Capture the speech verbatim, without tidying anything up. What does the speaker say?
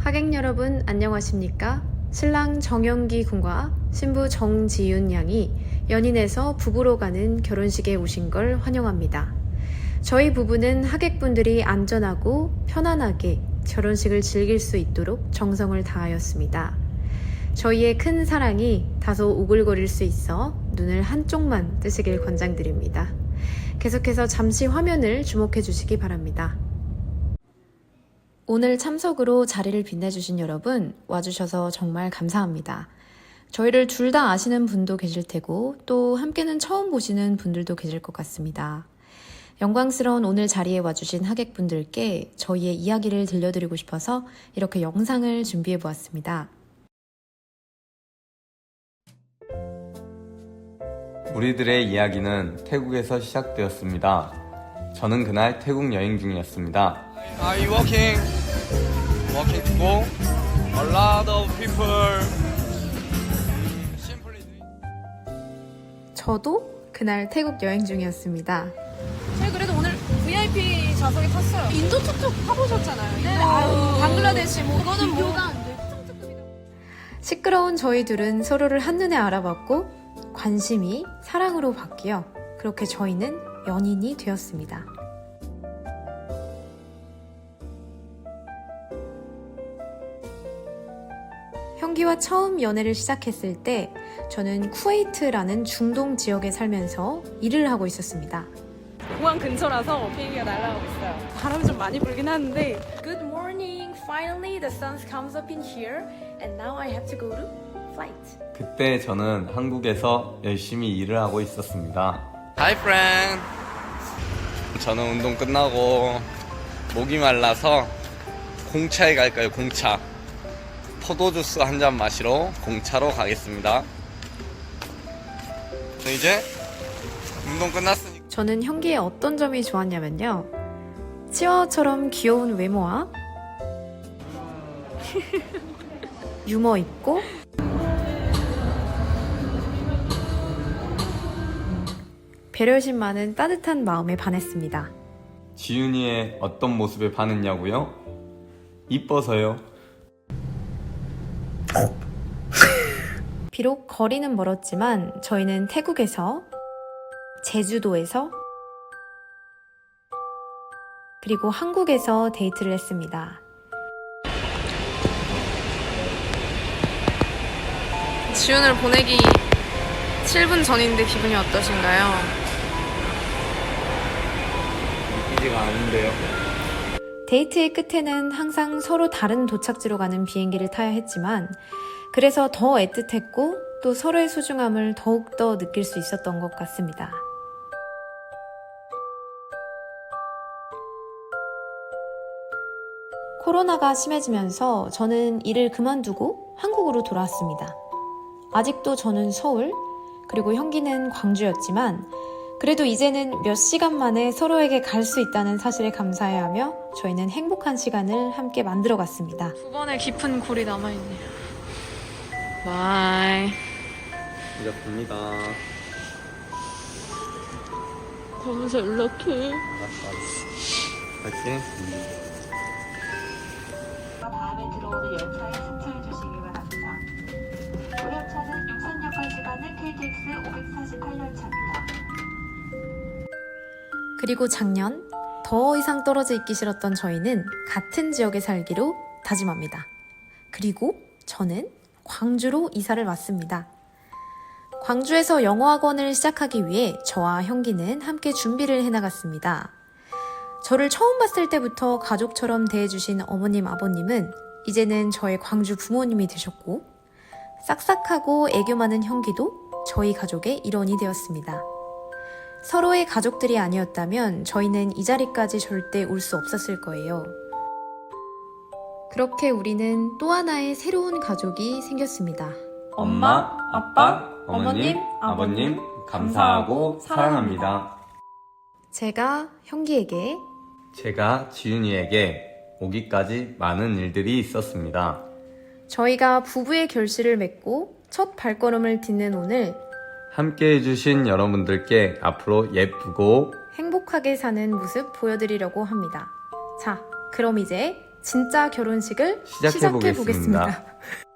하객 여러분 안녕하십니까? 신랑 정영기 군과 신부 정지윤 양이 연인에서 부부로 가는 결혼식에 오신 걸 환영합니다. 저희 부부는 하객분들이 안전하고 편안하게 결혼식을 즐길 수 있도록 정성을 다하였습니다. 저희의 큰 사랑이 다소 오글거릴 수 있어 눈을 한쪽만 뜨시길 권장드립니다. 계속해서 잠시 화면을 주목해 주시기 바랍니다. 오늘 참석으로 자리를 빛내주신 여러분 와주셔서 정말 감사합니다. 저희를 둘 다 아시는 분도 계실 테고 또 함께는 처음 보시는 분들도 계실 것 같습니다. 영광스러운 오늘 자리에 와주신 하객분들께 저희의 이야기를 들려드리고 싶어서 이렇게 영상을 준비해 보았습니다. 우리들의 이야기는 태국에서 시작되었습니다. 저는 그날 태국 여행 중이었습니다. Are you walking? Walking to go? A lot of people. Simply. 저도 그날 태국 여행 중이었습니다. 저희 그래도 오늘 브이아이피 좌석에 탔어요. 인도 툭툭 타보셨잖아요. 네. 아유, 방글라데시 뭐 그거는 뭐가 안 돼. 시끄러운 저희 둘은 서로를 한눈에 알아봤고 관심이 사랑으로 바뀌어 그렇게 저희는 연인이 되었습니다. 형기와 처음 연애를 시작했을 때 저는 쿠웨이트라는 중동 지역에 살면서 일을 하고 있었습니다. 공항 근처라서 비행기가 날아가고 있어요. 바람이 좀 많이 불긴 하는데 Good morning. Finally the sun comes up in here and now I have to go to flight. 그때 저는 한국에서 열심히 일을 하고 있었습니다. Hi friend. 저는 운동 끝나고 목이 말라서 공차에 갈까요? 공차. 포도주스 한 잔 마시러 공차로 가겠습니다. 저 이제 운동 끝났으니까. 저는 형기의 어떤 점이 좋았냐면요. 치와와처럼 귀여운 외모와 유머 있고 배려심 많은 따뜻한 마음에 반했습니다. 지윤이의 어떤 모습에 반했냐고요? 이뻐서요. 비록 거리는 멀었지만 저희는 태국에서, 제주도에서, 그리고 한국에서 데이트를 했습니다. 지훈을 보내기 칠 분 전인데 기분이 어떠신가요? 믿기지가 않은데요. 데이트의 끝에는 항상 서로 다른 도착지로 가는 비행기를 타야 했지만 그래서 더 애틋했고 또 서로의 소중함을 더욱더 느낄 수 있었던 것 같습니다. 코로나가 심해지면서 저는 일을 그만두고 한국으로 돌아왔습니다. 아직도 저는 서울, 그리고 형기는 광주였지만 그래도 이제는 몇 시간 만에 서로에게 갈 수 있다는 사실에 감사해하며 저희는 행복한 시간을 함께 만들어갔습니다. 두 번의 깊은 골이 남아있네요. 바이. 이렇습니다. 가면서 연락해. 파이팅. 다음에 들어오는 열차에 승차해 주시기 바랍니다. 고열차는 육산역까지 가는 케이티엑스 오백사십팔 열차입니다. 그리고 작년 더 이상 떨어져 있기 싫었던 저희는 같은 지역에 살기로 다짐합니다. 그리고 저는 광주로 이사를 왔습니다. 광주에서 영어학원을 시작하기 위해 저와 형기는 함께 준비를 해나갔습니다. 저를 처음 봤을 때부터 가족처럼 대해주신 어머님, 아버님은 이제는 저의 광주 부모님이 되셨고 싹싹하고 애교 많은 형기도 저희 가족의 일원이 되었습니다. 서로의 가족들이 아니었다면 저희는 이 자리까지 절대 올 수 없었을 거예요. 그렇게 우리는 또 하나의 새로운 가족이 생겼습니다. 엄마, 아빠, 어머님, 아버님, 감사하고 사랑합니다. 제가 형기에게, 제가 지윤이에게 오기까지 많은 일들이 있었습니다. 저희가 부부의 결실을 맺고 첫 발걸음을 딛는 오늘 함께 해주신 여러분들께 앞으로 예쁘고 행복하게 사는 모습 보여드리려고 합니다. 자, 그럼 이제 진짜 결혼식을 시작해 시작해 보겠습니다. 보겠습니다.